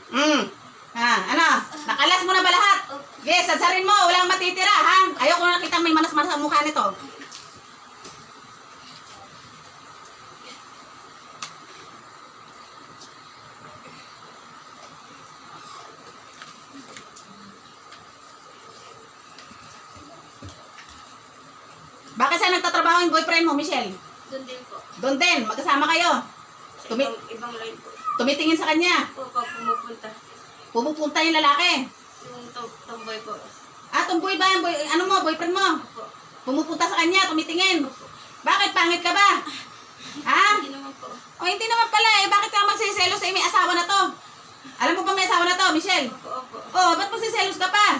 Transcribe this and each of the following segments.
Ano? Nakalas mo na ba lahat? Yes, sadsarin mo. Walang matitira, ha? Ayoko na nakita may manas-manas ang mukha nito. Bakit saan nagtatrabaho yung boyfriend mo, Michelle? Doon din po. Doon din, magkasama kayo. Sa ibang line po. Tumitingin sa kanya. Opo, pumupunta. Pumupunta yung lalaki. Yung tomboy po. Tomboy ba? Ano mo, boyfriend mo? Opo. Pumupunta sa kanya, tumitingin. Opo. Bakit? Pangit ka ba? Ha? Hindi naman po. Hindi naman pala eh. Bakit ka magsiselos eh? May asawa na to. Alam mo ba may asawa na to, Michelle? Opo, opo. Ba't magsiselos ka pa?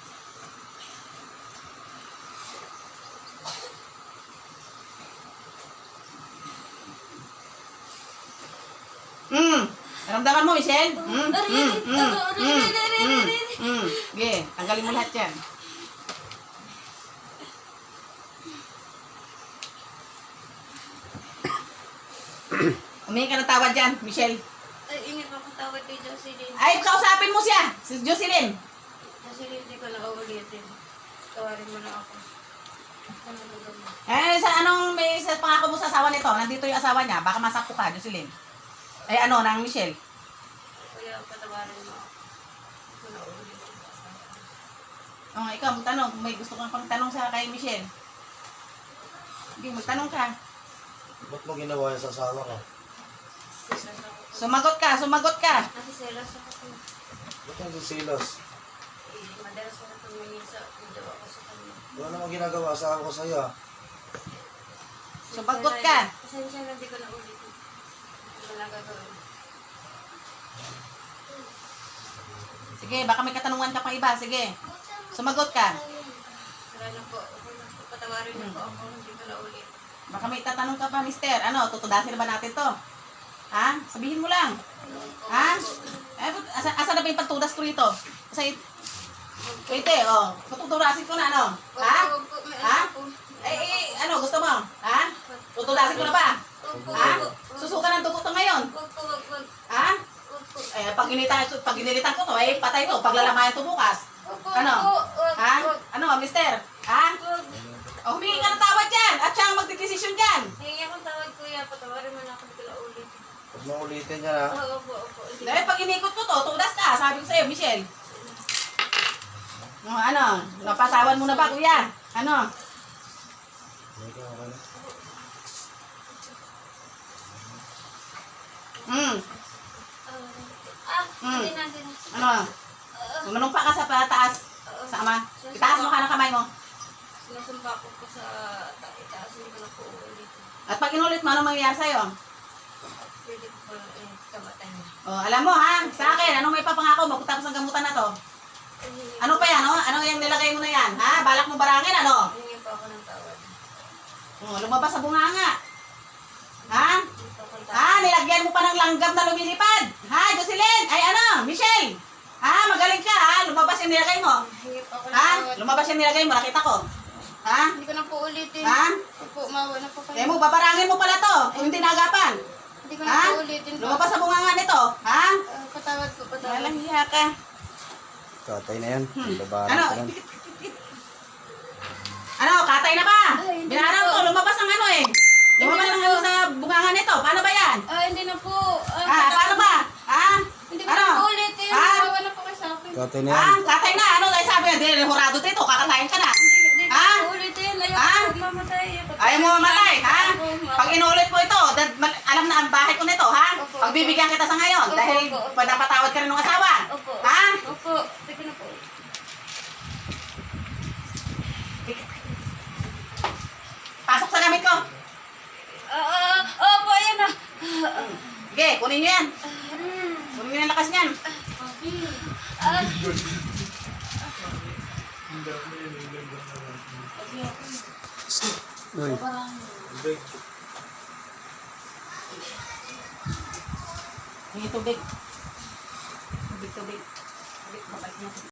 Naramdaman mo, Michelle? Sige, tanggalin mo lahat yan. Humingi ka ng tawad dyan, Michelle. Ay, ingat ako tawad kay Jocelyn. Ay, kausapin mo siya, si Jocelyn. Jocelyn, hindi ko na uulitin. Tawarin mo na ako. Sa pangako mo sa asawa nito, nandito yung asawa niya, baka masakto ka, Jocelyn. Nang Michelle. Kuya, patawarin mo ako. Hindi ko na uulitin. Ikaw, magtanong. Kung may gusto kang pang-tanong sa kay Michelle. Hindi, magtanong ka. Ba't mo ginawa yan sa asawa ko? Sumagot ka. Nasiselos ako po. Ba't yung sisilos? Madalas ako tumingin sa video ako sa kanya. Wala namang ginagawa asawa ko sa'yo. Sumagot ka. Pasensya na, hindi ko na ulitin. Hindi ko na gagawin. Sige, baka may katanungan ka pang iba. Sige. Sumagot ka. Wala na po. Patawarin na po ako. Hindi ko na ulit. Baka may tatanong ka pa, mister. Tutudasin na ba natin to? Ha? Sabihin mo lang. Ha? Asa na ba yung pagtudas ko rito? Kasi, wait tuturasin ko na, Ha? Ha? Gusto mo? Ha? Tutudasin ko na ba? Ha? Susuka ng dugo to ngayon? Ha? Pag inilitan ko to, patay to. Paglalamayan to bukas. Ha? Mister? Ha? Humingi ka ng tawad dyan. At siya ang magdidesisyon dyan. Hingi akong tawad, kuya. Patawarin mo na ako. Hindi ko na ulitin. Huwag mo ulitin yan, ha? Opo. Dahil pag inikot ko to, tudas ka. Sabi ko sa'yo, Michelle. Napatawan mo na ba, kuya? Okay na. Hindi na. Manumpa ka sa pataas. Sa ama. Itaas mo ka ng kamay mo. Sinasumpa ko po sa itaas. Hindi ko na po ulitin. At pag inulit mo, anong mangyayari sa'yo? Pwede ko po kamatay na. Alam mo ha, sa akin, anong may papangako mo pagkatapos ng gamutan na to? Ano pa yan, Ano yung nilagay mo na yan? Ha? Balak mo barangin, Hingi po ako ng tawad. Lumabas sa bunganga. Ha? Hindi po akong tawad. Nilagyan mo pa ng langgam na lumilipad. Ha, Jocelyn? Michelle? Magaling ka, Lumabas yung nilagay mo. Hingi po ako ng tawad. Lumabas yung nilagay mo, nakita ko. Hindi ko na po ulitin. Opo, mawa na po kayo. Babarangin mo pala to, kung hindi nagapan. Hindi ko na po ulitin. Lumabas sa bunganga nito, Patawad po, patawad. Walang hiya ka. Katay na yan. Babaran Ano? ka lang. Katay na ba? Ay, hindi Binarang na po. ko, lumabas ang Lumabas Hindi ang na po. sa bunganga nito. Paano ba yan? Hindi na po. Paano ba? Hindi ko na po ulitin. Mawa na po kayo sa akin. Katay na yan. Katay na. Ay sabi niya, di horado dito, kakatayin ka na. Hindi ko na po ulitin. Ayaw ko mamatay. Ayaw mo mamatay, Opo. Pag inulit mo ito, alam na ang bahay ko nito, Opo. Pagbibigyan kita sa ngayon, Opo, dahil opo. napatawad ka rin ng asawa. Opo. Ha? Opo. Hindi ko na po. Pasok sa gamit ko. Opo, ayan na. Sige, kunin niyo yan. Kunin niyo yung lakas niyan. Uy. Hingi tubig. Tubig. Tubig, babalik niya.